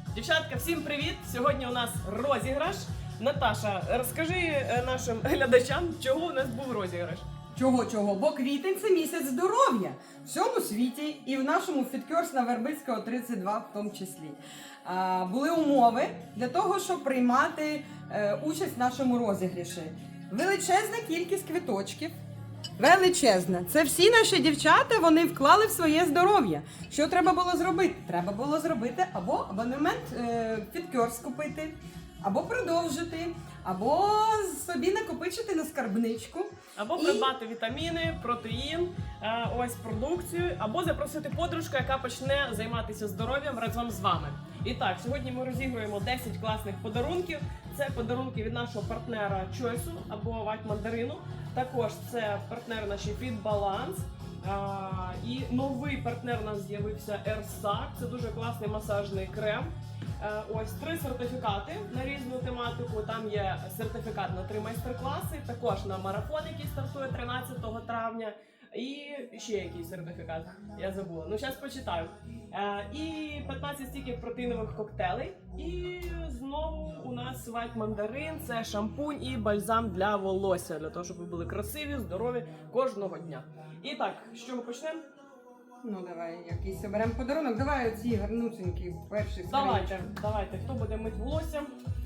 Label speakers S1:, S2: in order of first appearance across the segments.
S1: Дівчатка, всім привіт! Сьогодні у нас розіграш. Наташа, розкажи нашим глядачам, чого у нас був розіграш.
S2: Чого? Бо квітень – це місяць здоров'я в всьому світі і в нашому FitCourse на Вербицького 32 в тому числі. Були умови для того, щоб приймати участь в нашому розіграші. Величезна кількість квиточків. Величезна. Це всі наші дівчата, вони вклали в своє здоров'я. Що треба було зробити? Треба було зробити або абонемент FitCourse купити, або продовжити, або собі накопичити на скарбничку.
S1: Або придбати вітаміни, протеїн, ось продукцію, або запросити подружку, яка почне займатися здоров'ям разом з вами. І так, сьогодні ми розігруємо 10 класних подарунків. Це подарунки від нашого партнера Choice або White Mandarin. Також це партнер наші Fit Balance. І новий партнер у нас з'явився Ersak. Це дуже класний масажний крем. Ось 3 сертифікати на різну тематику. Там є сертифікат на 3 майстер-класи, також на марафон, який стартує 13 травня. І ще якийсь сертифікат, я забула. Ну, зараз почитаю. І 15 стіків протеїнових коктейлей. І знову у нас White Mandarin, це шампунь і бальзам для волосся, для того, щоб ви були красиві, здорові кожного дня. І так, з чого почнемо?
S2: Ну, давай якийсь оберемо подарунок. Давай оці гарнусенькі перші.
S1: Давайте, хто буде мить волосся?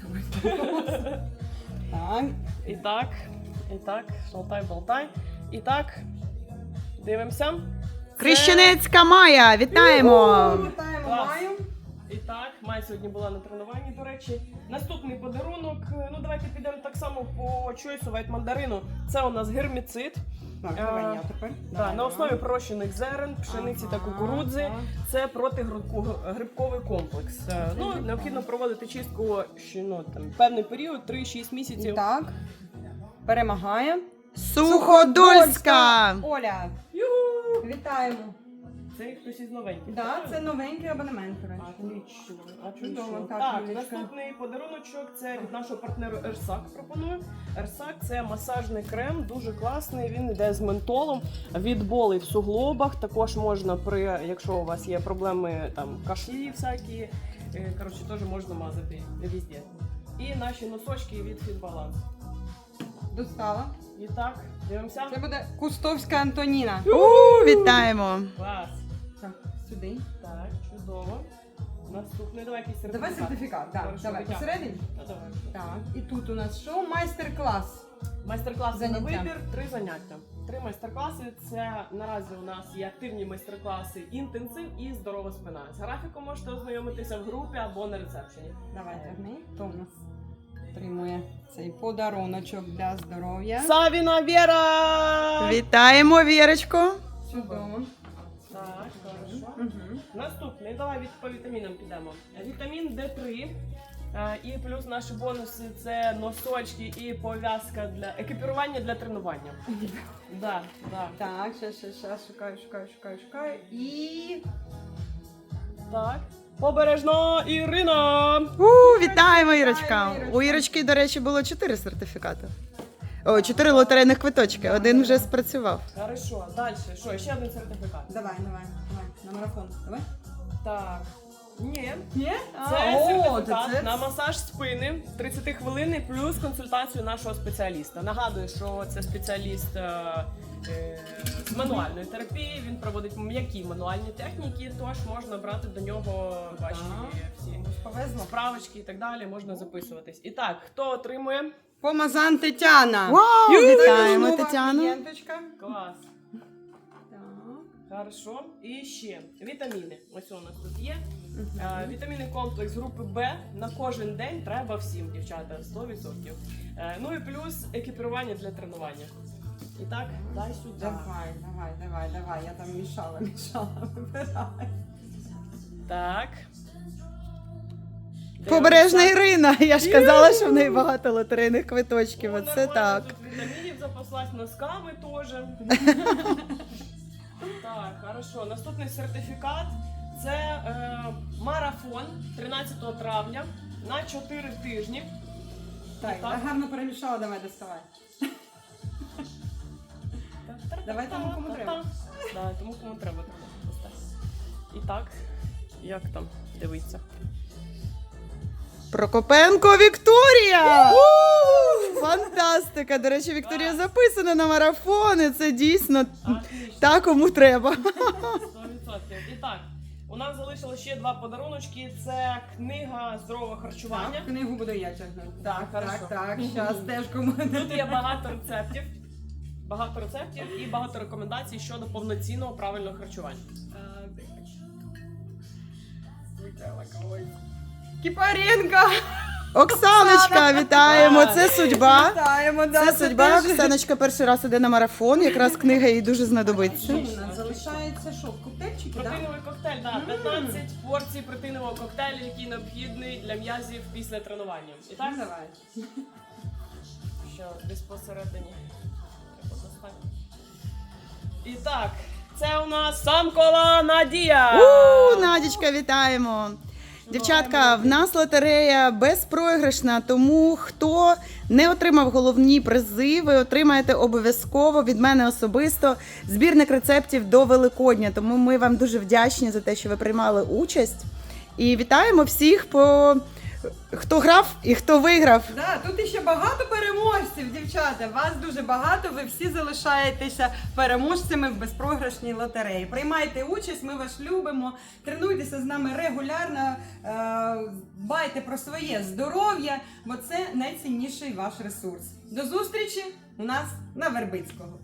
S2: Так.
S1: І так, шалтай-болтай. І так, дивимося.
S3: Крещенецька Майя, вітаємо!
S2: Вітаємо
S1: Клас.
S2: Маю.
S1: І так, Майя сьогодні була на тренуванні, до речі. Наступний подарунок, ну давайте підемо так само по Choice White Mandarin. Це у нас герміцид.
S2: Так, давай я тепер.
S1: На основі пророщених зерен, пшениці та кукурудзи. Це протигрибковий комплекс. Ну, необхідно проводити чистку певний період, 3-6 місяців.
S2: Так. Перемагає.
S3: Суходольська!
S2: Оля.
S1: Юху!
S2: Вітаємо.
S1: Це хтось із новеньких.
S2: Так, це новенький абонемент, до речі.
S1: Отлично.
S2: Чудово, так,
S1: Так,
S2: Юлічка.
S1: наступний подаруночок це від нашого партнеру Ersak пропоную. Ersak – це масажний крем, дуже класний, він йде з ментолом, від болей в суглобах, також можна якщо у вас є проблеми кашлі всякі, коротше, теж можна мазати везде. І наші носочки від Fit Balance.
S2: Достала.
S1: І так, дивимося.
S2: Це буде Кустовська Антоніна.
S3: Вітаємо!
S1: Клас.
S2: Так, сюди.
S1: Так, чудово. Наступний, давай якийсь сертифікат.
S2: Давай сертифікат, так.
S1: Хорошо,
S2: Давай.
S1: витягуй.
S2: Посередині?
S1: Давай.
S2: Так. І тут у нас що? Майстер-клас.
S1: Майстер-класи на
S2: Заняття.
S1: вибір, 3 заняття. 3 майстер-класи. Це наразі у нас є активні майстер-класи інтенсив і здорова спина. З графіком можете ознайомитися в групі або на ресепшені.
S2: Давай, тягни. Хто у нас отримує цей подаруночок для здоров'я?
S1: Савіна Віра!
S3: Вітаємо, Вірочку!
S2: Чудово.
S1: Так, хорошо.
S2: Угу.
S1: Наступний, давай по вітамінам підемо. Вітамін D3. І плюс наші бонуси це носочки і пов'язка для екіпірування для тренування. Да.
S2: Так, ще, шукаю. І...
S1: Так. Побережно Ірина!
S3: Вітаємо, Ірочка! У Ірочки, до речі, було 4 сертифікати. 4 лотерейних квиточки, один вже спрацював.
S1: Хорошо, далі. Що, ще один сертифікат.
S2: Давай, на марафон. Давай.
S1: Так. Ні.
S2: Ні?
S1: Це сертифікат на масаж спини 30 хвилин плюс консультацію нашого спеціаліста. Нагадую, що це спеціаліст з мануальної терапії. Він проводить м'які мануальні техніки, тож можна брати до нього ваші всі
S2: Повезло.
S1: справочки і так далі, можна записуватись. І так, хто отримує?
S2: Помазан Тетяна.
S3: Вау! Вітаємо,
S2: Нова
S3: Тетяну!
S2: клієнточка.
S1: Клас.
S2: Так.
S1: Хорошо. І ще вітаміни. Ось у нас тут є. Вітамінний комплекс групи Б на кожен день треба всім, дівчата, 100%. Ну і плюс екіпірування для тренування. І так, дай сюди.
S2: Давай. Я там мішала. Вибирай.
S1: Так.
S3: Побережна Ірина! Я ж казала, що в неї багато лотерейних квиточків.
S1: Ну,
S3: Оце
S1: нормально,
S3: так.
S1: тут вітамінів запаслась, носками теж. Так, хорошо. Наступний сертифікат. Це марафон 13 травня на 4 тижні.
S2: Так, я гарно перемішала, давай доставай. Давай тому, кому треба.
S1: Да, тому кому треба. І так, як там? Дивіться.
S3: Прокопенко Вікторія! Фантастика! До речі, Вікторія записана на марафони. Це дійсно
S1: Отлично.
S3: та, кому треба.
S1: 100%. І так, у нас залишилось ще 2 подаруночки. Це книга здорового харчування.
S2: Так, книгу буду я тягнути. Так,
S1: Хорошо.
S2: так. Щас теж комусь.
S1: Тут є багато рецептів і багато рекомендацій щодо повноцінного правильного харчування.
S2: Кіпаренко!
S3: Оксаночка, вітаємо! Це судьба.
S2: Вітаємо, да,
S3: Це судьба.
S2: теж.
S3: Оксаночка перший раз іде на марафон. Якраз книга їй дуже знадобиться.
S2: Що у нас залишається? Що, коктейльчики, так?
S1: Протеїновий коктейль, так, 15 порцій протеїнового коктейлю, який необхідний для м'язів після тренування. І так,
S2: Давай.
S1: що десь посередині треба достати. І так, це у нас Самкова Надія.
S3: Надічка, вітаємо! Дівчатка, в нас лотерея безпроіграшна, тому хто не отримав головні призи, ви отримаєте обов'язково від мене особисто збірник рецептів до Великодня. Тому ми вам дуже вдячні за те, що ви приймали участь. І вітаємо всіх, хто грав і хто виграв.
S2: Да, тут іще багато переможців, дівчата. Вас дуже багато. Ви всі залишаєтеся переможцями в безпрограшній лотереї. Приймайте участь, ми вас любимо. Тренуйтеся з нами регулярно, дбайте про своє здоров'я, бо це найцінніший ваш ресурс. До зустрічі у нас на Вербицького.